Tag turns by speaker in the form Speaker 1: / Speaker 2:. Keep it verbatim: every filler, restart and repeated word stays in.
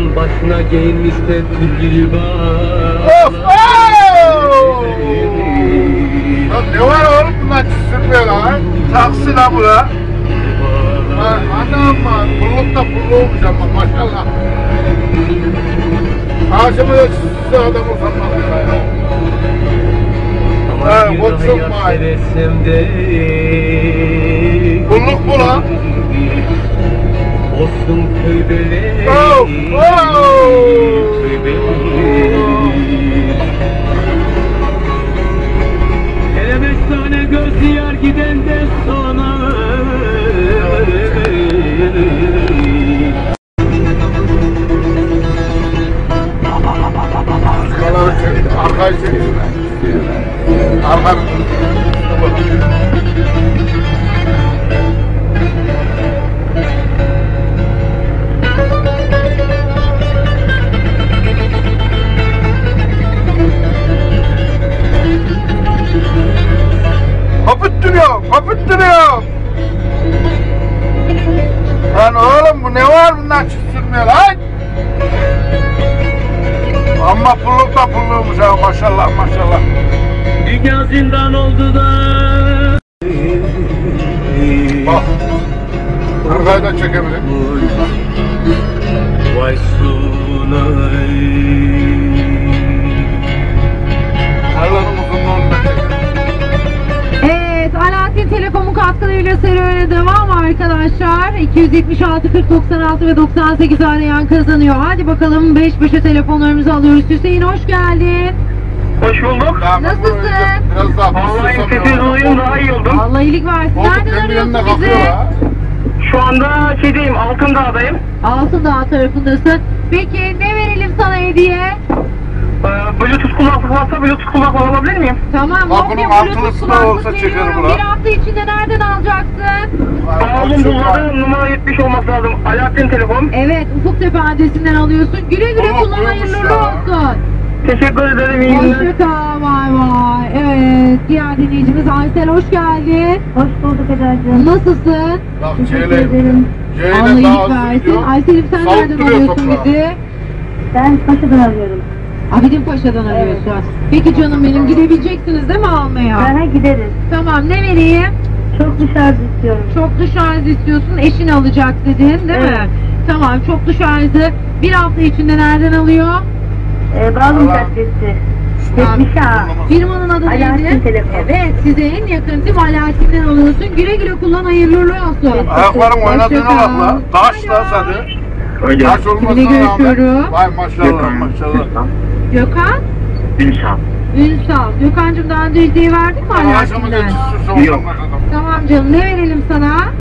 Speaker 1: başına giyinmişten tülgülü bağlar.
Speaker 2: Of! Oh! Lan ne var oğlum bunlar çizilmiyor lan? Taksi lan bu la. Lan anam var, pulluk da pullu olmuş ama maşallah. Ağzıma da çizilse adam olsam bak ya. Ha, what's up my? Pulluk bu lan.
Speaker 1: Olsun köy beleği.
Speaker 2: Oh! Oh!
Speaker 1: Köy beleği. Hele beş tane göz yar gidenden sonra.
Speaker 2: Kaları çek, arkayı çek. Arka. Kapıttırıyor, kapıttırıyor. Lan oğlum bu ne var bundan çizilmiyor lan? Ama pulluk da pulluymuş ha maşallah maşallah.
Speaker 1: Dünya zindan oldu da.
Speaker 2: Bak. Arkayı da çekebilirim.
Speaker 1: Vay sunay.
Speaker 2: Allah'ın uzunluğunu da çekelim.
Speaker 3: Evet, Alaaddin Telekom'un katkılarıyla serüvene devam arkadaşlar. iki yüz yetmiş altı kırk doksan altı ve doksan sekiz arayan kazanıyor. Hadi bakalım beş beşe telefonlarımızı alıyoruz. Hüseyin hoş geldin.
Speaker 4: Hoş bulduk.
Speaker 2: Tamam,
Speaker 3: Nasılsın?
Speaker 2: Biraz daha
Speaker 4: Vallahi
Speaker 2: fısıldasamıyorum.
Speaker 4: sesinizi duyayım daha iyi oldum.
Speaker 3: Allah iyilik versin.
Speaker 2: Oğlum
Speaker 3: Nereden
Speaker 2: kendi
Speaker 3: arıyorsun
Speaker 2: yanına
Speaker 3: bizi?
Speaker 2: kalkıyor ha.
Speaker 4: Şu anda şeydeyim, Altındağ'dayım.
Speaker 3: Altındağ tarafındasın. Peki ne verelim sana hediye?
Speaker 4: Ee, Bluetooth kulaklık varsa Bluetooth kulaklık alabilir miyim?
Speaker 3: Tamam,
Speaker 2: Bak bunun
Speaker 3: Nokia Bluetooth
Speaker 2: altılısı da
Speaker 3: kulaklık
Speaker 2: olsa çekerim
Speaker 3: veriyorum.
Speaker 2: ulan.
Speaker 3: Bir hafta içinde nereden alacaksın?
Speaker 4: Bağlım bulmadı, numara yetmiş olması lazım. Alaaddin Telekom.
Speaker 3: Evet, Ufuktepe adresinden alıyorsun. Güle güle
Speaker 2: Oğlum,
Speaker 3: kullan,
Speaker 2: buymuş
Speaker 3: hayırlı
Speaker 2: ya.
Speaker 3: olsun.
Speaker 4: Teşekkür ederim, iyi günler.
Speaker 3: Hoşçakal, vay vay. Evet, diğer dinleyicimiz Aysel hoş geldin.
Speaker 5: Hoş bulduk Eda'cığım.
Speaker 3: Nasılsın?
Speaker 2: Bak
Speaker 5: Teşekkür
Speaker 2: C'yle.
Speaker 5: ederim.
Speaker 2: C'yle
Speaker 3: Allah
Speaker 2: daha
Speaker 3: iyilik
Speaker 2: hızlı
Speaker 3: versin.
Speaker 2: gidiyor.
Speaker 3: Aysel'im sen
Speaker 2: Salıp
Speaker 3: nereden
Speaker 2: duruyor
Speaker 3: alıyorsun
Speaker 2: toprağı.
Speaker 3: bizi?
Speaker 5: Ben Paşa'dan arıyorum.
Speaker 3: Abidin Paşa'dan arıyorsun. Peki canım benim, gidebileceksiniz değil mi almaya?
Speaker 5: Bana gideriz.
Speaker 3: Tamam, ne vereyim?
Speaker 5: Çok dışarıda istiyorum.
Speaker 3: Çok dışarıda istiyorsun, eşin alacak dedin değil mi?
Speaker 5: Evet.
Speaker 3: Tamam, çok dışarıda. Bir hafta içinde nereden alıyor?
Speaker 5: Ee, Bağlum
Speaker 2: Allah.
Speaker 5: Caddesi.
Speaker 3: Tamam.
Speaker 5: yetmiş A.
Speaker 3: Firmanın adı
Speaker 5: Alaaddin
Speaker 3: neydi?
Speaker 5: Telekom.
Speaker 3: Evet, size en yakın tim Alaaddin'den alıyorsun. Güle güle kullan, hayırlı uğurlu olsun.
Speaker 2: Ayakların oynadığına
Speaker 3: Hoşça
Speaker 2: bak la.
Speaker 3: kal.
Speaker 2: Taş lan seni. Taş olmasına
Speaker 3: Kimle
Speaker 2: rağmen.
Speaker 3: görüşüyorum?
Speaker 2: Vay maşallah maşallah.
Speaker 3: Gökhan?
Speaker 4: Ünsal.
Speaker 3: Ünsal. Gökhan'cığım daha önce hediye verdin mi
Speaker 2: Ağzımı da
Speaker 3: Alaaddin'den?
Speaker 2: çizilse olmaz adam.
Speaker 3: Tamam canım, ne verelim sana?